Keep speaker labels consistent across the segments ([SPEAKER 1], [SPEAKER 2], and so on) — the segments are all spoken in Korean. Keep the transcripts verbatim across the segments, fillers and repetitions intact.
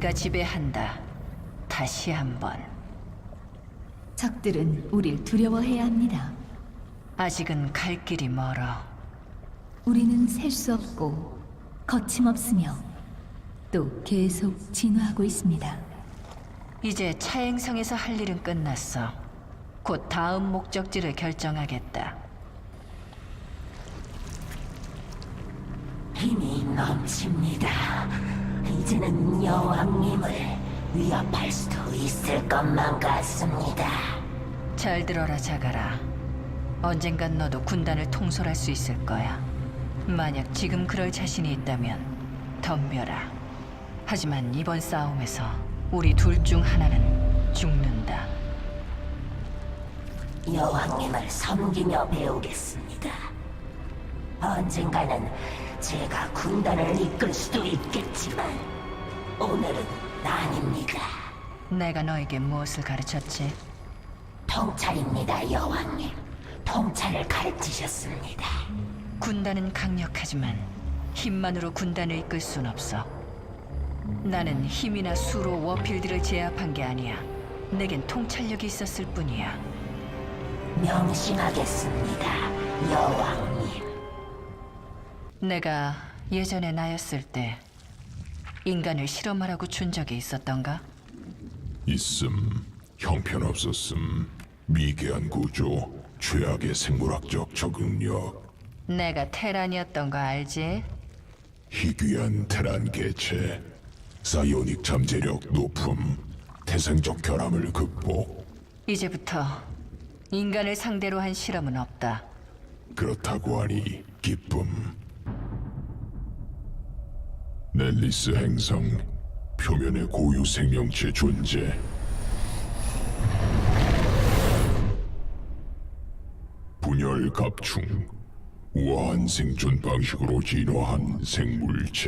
[SPEAKER 1] 네가 지배한다. 다시 한번.
[SPEAKER 2] 적들은 우릴 두려워해야 합니다.
[SPEAKER 1] 아직은 갈 길이 멀어.
[SPEAKER 2] 우리는 셀 수 없고 거침없으며 또 계속 진화하고 있습니다.
[SPEAKER 1] 이제 차행성에서 할 일은 끝났어. 곧 다음 목적지를 결정하겠다.
[SPEAKER 3] 힘이 넘칩니다. 이제는 여왕님을 위협할 수도 있을 것만 같습니다.
[SPEAKER 1] 잘 들어라, 자가라. 언젠간 너도 군단을 통솔할 수 있을 거야. 만약 지금 그럴 자신이 있다면 덤벼라. 하지만 이번 싸움에서 우리 둘 중 하나는 죽는다.
[SPEAKER 3] 여왕님을 섬기며 배우겠습니다. 언젠가는 제가 군단을 이끌 수도 있겠지만 오늘은 아닙니다.
[SPEAKER 1] 내가 너에게 무엇을 가르쳤지?
[SPEAKER 3] 통찰입니다, 여왕님. 통찰을 가르치셨습니다.
[SPEAKER 1] 군단은 강력하지만 힘만으로 군단을 이끌 순 없어. 나는 힘이나 수로 워필드를 제압한 게 아니야. 내겐 통찰력이 있었을 뿐이야.
[SPEAKER 3] 명심하겠습니다, 여왕님.
[SPEAKER 1] 내가 예전에 나였을 때 인간을 실험하라고 준 적이 있었던가?
[SPEAKER 4] 있음, 형편없었음, 미개한 구조, 최악의 생물학적 적응력,
[SPEAKER 1] 내가 테란이었던 거 알지?
[SPEAKER 4] 희귀한 테란 개체, 사이오닉 잠재력 높음, 태생적 결함을 극복.
[SPEAKER 1] 이제부터 인간을 상대로 한 실험은 없다.
[SPEAKER 4] 그렇다고 하니 기쁨. 넬리스 행성, 표면의 고유 생명체 존재. 분열 갑충, 우아한 생존 방식으로 진화한 생물체.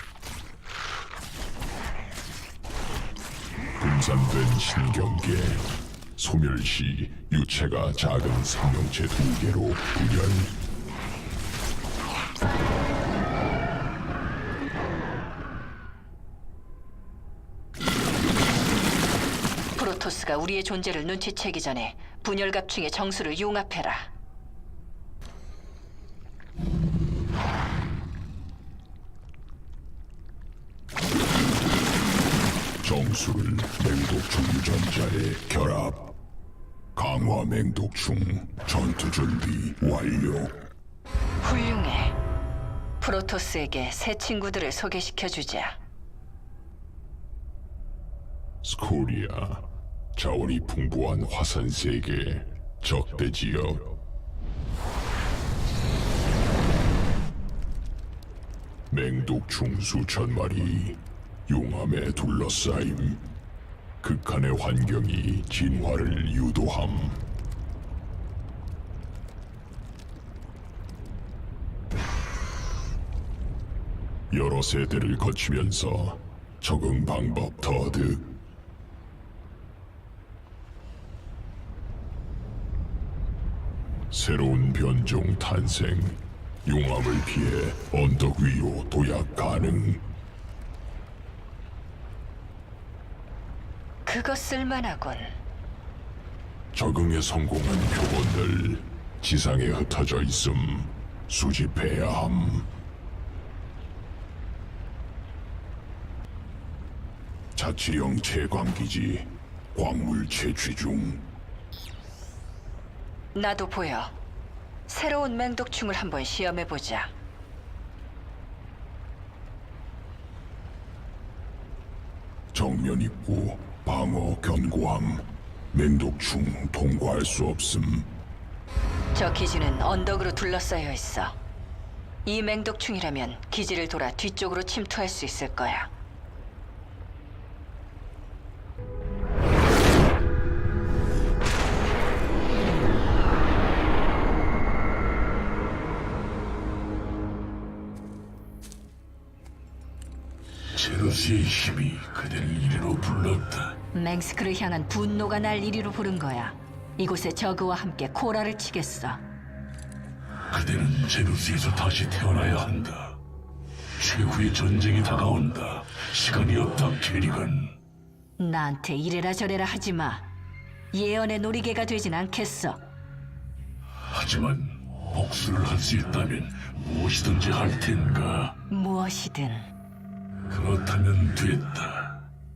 [SPEAKER 4] 분산된 신경계, 소멸 시 유체가 작은 생명체 두 개로 분열.
[SPEAKER 1] 프로토스가 우리의 존재를 눈치채기 전에 분열갑충의 정수를 융합해라.
[SPEAKER 4] 정수를 맹독충 유전자에 결합. 강화 맹독충 전투 준비 완료.
[SPEAKER 1] 훌륭해. 프로토스에게 새 친구들을 소개시켜주자.
[SPEAKER 4] 스코리아, 자원이 풍부한 화산 세계, 적대 지역. 맹독충 수천 마리, 용암에 둘러싸임. 극한의 환경이 진화를 유도함. 여러 세대를 거치면서 적응 방법 터득. 새로운 변종 탄생. 용암을 피해 언덕 위로 도약 가능.
[SPEAKER 1] 그거 쓸만하군.
[SPEAKER 4] 적응에 성공한 표본들 지상에 흩어져 있음 수집해야 함. 자치령 채광기지 광물 채취 중.
[SPEAKER 1] 나도 보여. 새로운 맹독충을 한번 시험해보자.
[SPEAKER 4] 정면 입구 방어 견고함. 맹독충 통과할 수 없음.
[SPEAKER 1] 저 기지는 언덕으로 둘러싸여 있어. 이 맹독충이라면 기지를 돌아 뒤쪽으로 침투할 수 있을 거야.
[SPEAKER 5] 제로스의 힘이 그대를 이리로 불렀다.
[SPEAKER 1] 맹스크를 향한 분노가 날 이리로 부른 거야. 이곳에 저그와 함께 코라를 치겠어.
[SPEAKER 5] 그대는 제루스에서 다시 태어나야 한다. 최후의 전쟁이 다가온다. 시간이 없다, 캐리건.
[SPEAKER 1] 나한테 이래라 저래라 하지 마. 예언의 놀이개가 되진 않겠어.
[SPEAKER 5] 하지만 복수를 할 수 있다면 무엇이든지 할 텐가.
[SPEAKER 1] 무엇이든.
[SPEAKER 5] 그렇다면 됐다.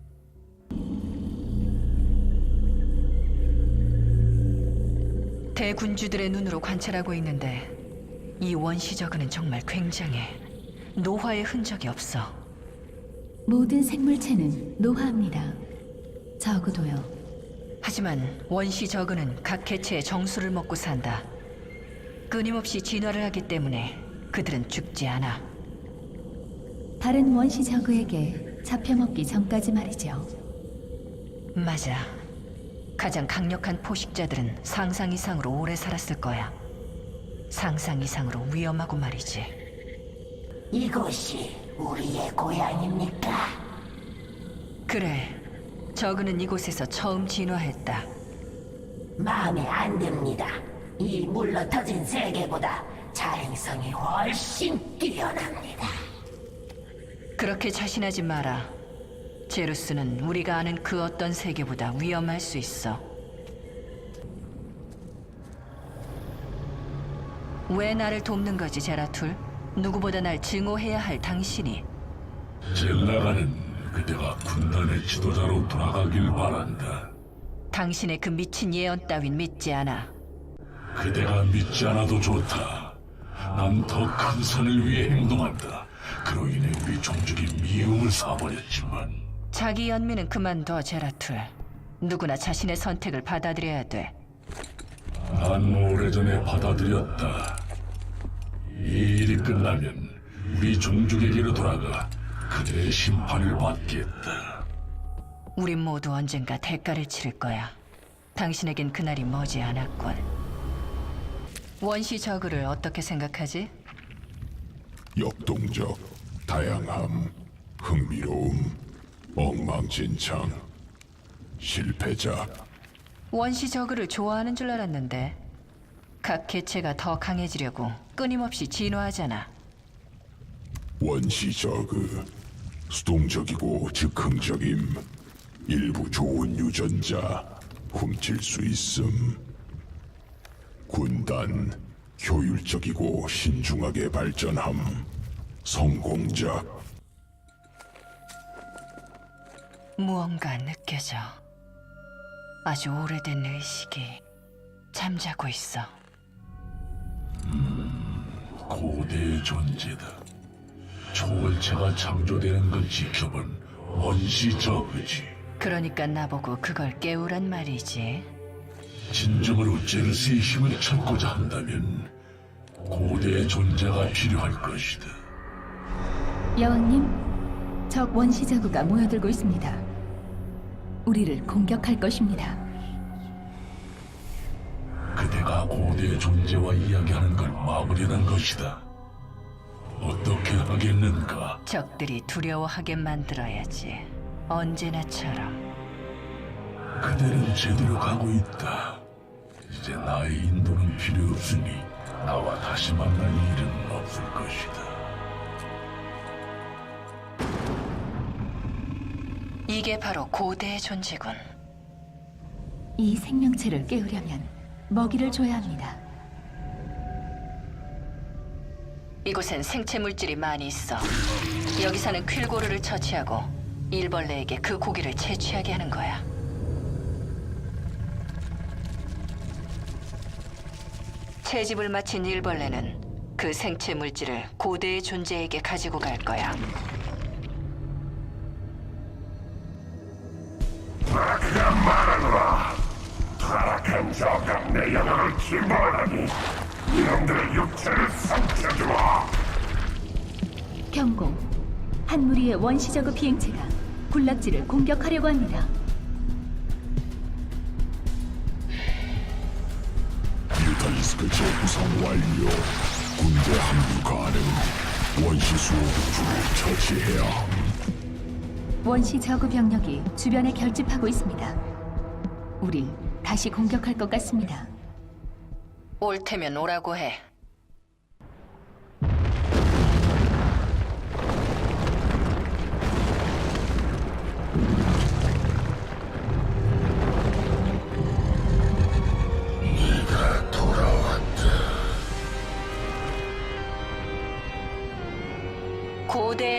[SPEAKER 1] 대군주들의 눈으로 관찰하고 있는데 이 원시 저그는 정말 굉장해. 노화의 흔적이 없어.
[SPEAKER 2] 모든 생물체는 노화합니다. 적어도요.
[SPEAKER 1] 하지만 원시 저그는 각 개체의 정수를 먹고 산다. 끊임없이 진화를 하기 때문에 그들은 죽지 않아.
[SPEAKER 2] 다른 원시 저그에게 잡혀먹기 전까지 말이죠.
[SPEAKER 1] 맞아. 가장 강력한 포식자들은 상상 이상으로 오래 살았을 거야. 상상 이상으로 위험하고 말이지.
[SPEAKER 3] 이곳이 우리의 고향입니까?
[SPEAKER 1] 그래. 저그는 이곳에서 처음 진화했다.
[SPEAKER 3] 마음에 안 듭니다. 이 물러터진 세계보다 자행성이 훨씬 뛰어납니다.
[SPEAKER 1] 그렇게 자신하지 마라. 제루스는 우리가 아는 그 어떤 세계보다 위험할 수 있어. 왜 나를 돕는 거지, 제라툴? 누구보다 날 증오해야 할 당신이.
[SPEAKER 5] 젤라가는 그대가 군단의 지도자로 돌아가길 바란다.
[SPEAKER 1] 당신의 그 미친 예언 따윈 믿지 않아.
[SPEAKER 5] 그대가 믿지 않아도 좋다. 난 더 큰 선을 위해 행동한다. 그로 인해 우리 종족이 미움을 사버렸지만
[SPEAKER 1] 자기 연민은 그만둬, 제라툴. 누구나 자신의 선택을 받아들여야 돼.
[SPEAKER 5] 난 오래전에 받아들였다. 이 일이 끝나면 우리 종족에게로 돌아가 그들의 심판을 받겠다.
[SPEAKER 1] 우린 모두 언젠가 대가를 치를 거야. 당신에겐 그날이 머지 않았군. 원시 저그를 어떻게 생각하지?
[SPEAKER 4] 역동적, 다양함, 흥미로움, 엉망진창, 실패자.
[SPEAKER 1] 원시 저그를 좋아하는 줄 알았는데 각 개체가 더 강해지려고 끊임없이 진화하잖아.
[SPEAKER 4] 원시 저그, 수동적이고 즉흥적임, 일부 좋은 유전자, 훔칠 수 있음. 군단, 효율적이고 신중하게 발전함, 성공작.
[SPEAKER 1] 무언가 느껴져. 아주 오래된 의식이 잠자고 있어.
[SPEAKER 5] 고대의 존재다. 초월체가 창조되는 걸 지켜본 원시 저그지.
[SPEAKER 1] 그러니까 나보고 그걸 깨우란 말이지.
[SPEAKER 5] 진정으로 제르스의 힘을 찾고자 한다면 고대의 존재가 필요할 것이다.
[SPEAKER 2] 여왕님, 적 원시 저그가 모여들고 있습니다. 우리를 공격할 것입니다.
[SPEAKER 5] 그대가 고대의 존재와 이야기하는 걸 막으려는 것이다. 어떻게 하겠는가?
[SPEAKER 1] 적들이 두려워하게 만들어야지. 언제나처럼.
[SPEAKER 5] 그대는 제대로 가고 있다. 이제 나의 인도는 필요 없으니 나와 다시 만날 일은 없을 것이다.
[SPEAKER 1] 이게 바로 고대의 존재군.
[SPEAKER 2] 이 생명체를 깨우려면 먹이를 줘야 합니다.
[SPEAKER 1] 이곳엔 생체 물질이 많이 있어. 여기 사는 퀼고르를 처치하고 일벌레에게 그 고기를 채취하게 하는 거야. 채집을 마친 일벌레는 그 생체 물질을 고대의 존재에게 가지고 갈 거야.
[SPEAKER 4] 타락한 저가 내 영혼을 침범하니 이놈들의 육체를 삼켜주어.
[SPEAKER 2] 경고. 한 무리의 원시 저그 비행체가 군락지를 공격하려고 합니다.
[SPEAKER 4] 뮤탈리스크 재구성 완료. 군대 합류 가능. 원시 수호국주를 처치해야 함.
[SPEAKER 2] 원시 저그 병력이 주변에 결집하고 있습니다. 우리 다시 공격할 것 같습니다.
[SPEAKER 1] 올 테면 오라고 해.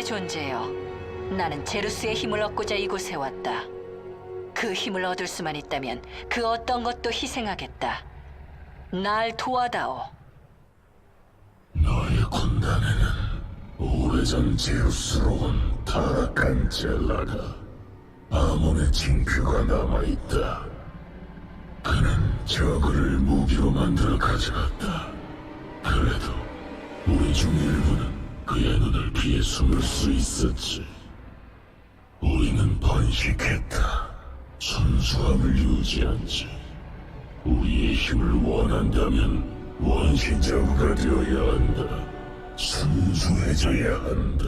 [SPEAKER 1] 고대의 존재여, 나는 제루스의 힘을 얻고자 이곳에 왔다. 그 힘을 얻을 수만 있다면 그 어떤 것도 희생하겠다. 날 도와다오.
[SPEAKER 5] 너의 군단에는 오래전 제우스로 온 타락한 젤라가 아몬의 징표가 남아있다. 그는 저그를 무기로 만들어 가져갔다. 그래도 우리 중 일부는 그의 눈을 피해 숨을 수 있었지. 우리는 번식했다. 순수함을 유지한지. 우리의 힘을 원한다면 원시저그가 되어야 한다. 순수해져야 한다.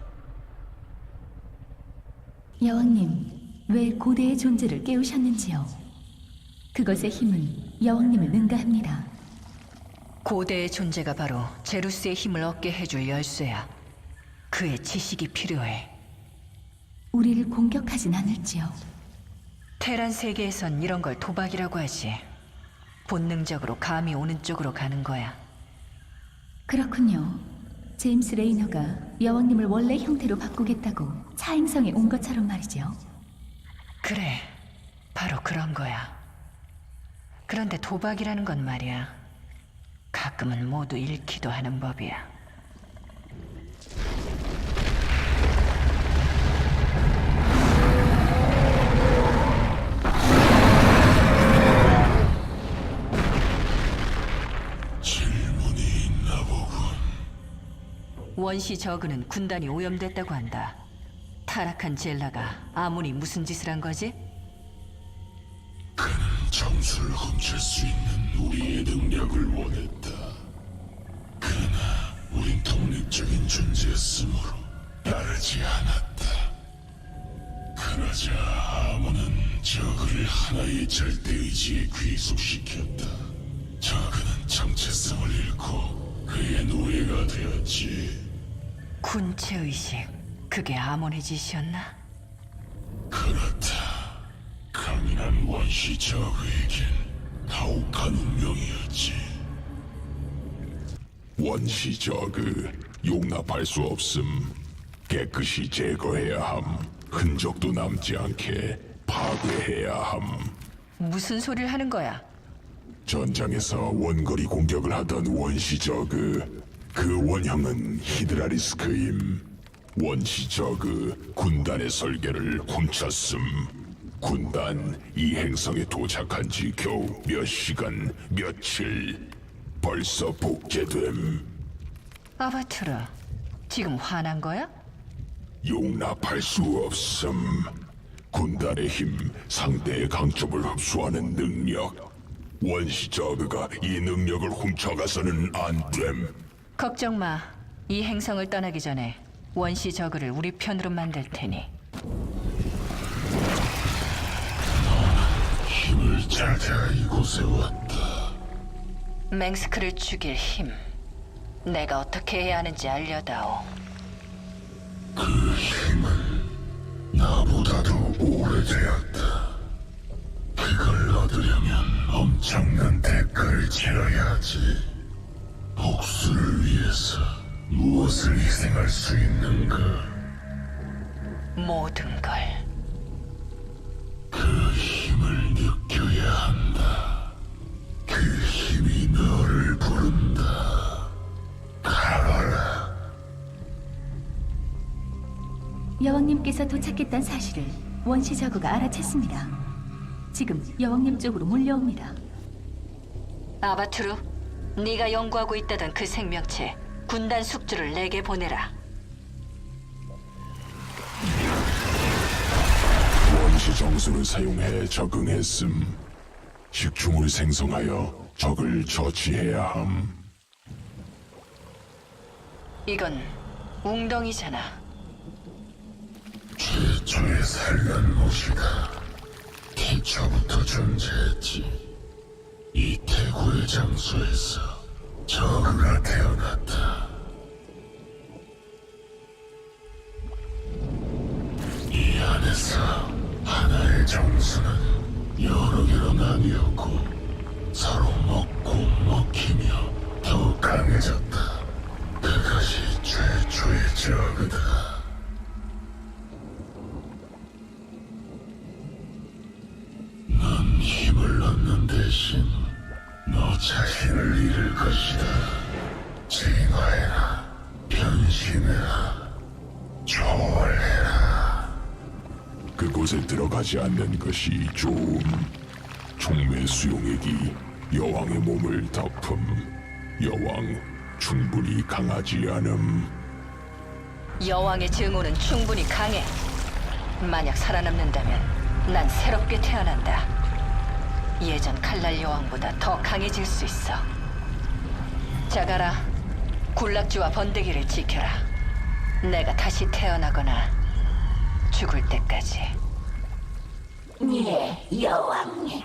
[SPEAKER 2] 여왕님, 왜 고대의 존재를 깨우셨는지요? 그것의 힘은 여왕님을 능가합니다.
[SPEAKER 1] 고대의 존재가 바로 제루스의 힘을 얻게 해줄 열쇠야. 그의 지식이 필요해.
[SPEAKER 2] 우리를 공격하진 않을지요.
[SPEAKER 1] 테란 세계에선 이런 걸 도박이라고 하지. 본능적으로 감이 오는 쪽으로 가는 거야.
[SPEAKER 2] 그렇군요. 제임스 레이너가 여왕님을 원래 형태로 바꾸겠다고 차행성에 온 것처럼 말이죠.
[SPEAKER 1] 그래, 바로 그런 거야. 그런데 도박이라는 건 말이야, 가끔은 모두 잃기도 하는 법이야.
[SPEAKER 5] 질문이 있나 보군.
[SPEAKER 1] 원시 저그는 군단이 오염됐다고 한다. 타락한 젤라가 아무리 무슨 짓을 한 거지?
[SPEAKER 5] 그는 점수를 훔칠 수 있는 우리의 능력을 원했다. 그러나 우린 독립적인 존재였으므로 따르지 않았다. 그러자 아무는 저그를 하나의 절대의지에 귀속시켰다. 저그는 정체성을 잃고 그의 노예가 되었지.
[SPEAKER 1] 군체의식, 그게 아몬의 짓이었나?
[SPEAKER 5] 그렇다. 강인한 원시 저그에겐 가혹한 운명이었지.
[SPEAKER 4] 원시 저그 용납할 수 없음. 깨끗이 제거해야 함. 흔적도 남지 않게 파괴해야 함.
[SPEAKER 1] 무슨 소리를 하는 거야?
[SPEAKER 4] 전장에서 원거리 공격을 하던 원시 저그, 그 원형은 히드라리스크임. 원시 저그 군단의 설계를 훔쳤음. 군단 이 행성에 도착한 지 겨우 몇 시간, 며칠. 벌써 복제됨.
[SPEAKER 1] 아바투르, 지금 화난 거야?
[SPEAKER 4] 용납할 수 없음. 군단의 힘, 상대의 강점을 흡수하는 능력. 원시 저그가 이 능력을 훔쳐가서는 안 됨.
[SPEAKER 1] 걱정 마. 이 행성을 떠나기 전에 원시 저그를 우리 편으로 만들 테니.
[SPEAKER 5] 힘을 찾아 이곳에 왔다.
[SPEAKER 1] 맹스크를 죽일 힘. 내가 어떻게 해야 하는지 알려다오.
[SPEAKER 5] 그 힘은 나보다도 오래되었다. 그걸 얻으려면 엄청난 대가를 치러야지. 복수를 위해서 무엇을 희생할 수 있는가?
[SPEAKER 1] 모든 걸.
[SPEAKER 5] 그 힘을 느껴야 한다. 그 힘이 너를 부른다. 가거라.
[SPEAKER 2] 여왕님께서 도착했다는 사실을 원시 저그가 알아챘습니다. 지금 여왕님 쪽으로 몰려옵니다.
[SPEAKER 1] 아바투르, 네가 연구하고 있다던 그 생명체 군단 숙주를 내게 보내라.
[SPEAKER 4] 원시 정수를 사용해 적응했음. 식충을 생성하여 적을 처치해야 함.
[SPEAKER 1] 이건 웅덩이잖아.
[SPEAKER 5] 최초의 산란못이다. 태초부터 존재했지. 이 태고의 장소에서 저그가 태어났다. 이 안에서 하나의 정수는 여러 개로 나뉘었고 서로 먹고 먹히며 더욱 강해졌다. 그것이 최초의 저그다. 힘을 얻는 대신 너 자신을 잃을 것이다. 진화해라, 변신해라, 초월해라.
[SPEAKER 4] 그곳에 들어가지 않는 것이 좋음. 총매 수용액이 여왕의 몸을 덮음. 여왕 충분히 강하지 않음.
[SPEAKER 1] 여왕의 증오는 충분히 강해. 만약 살아남는다면 난 새롭게 태어난다. 예전 칼날 여왕보다 더 강해질 수 있어. 자가라, 군락지와 번데기를 지켜라. 내가 다시 태어나거나 죽을 때까지.
[SPEAKER 3] 예, 여왕님.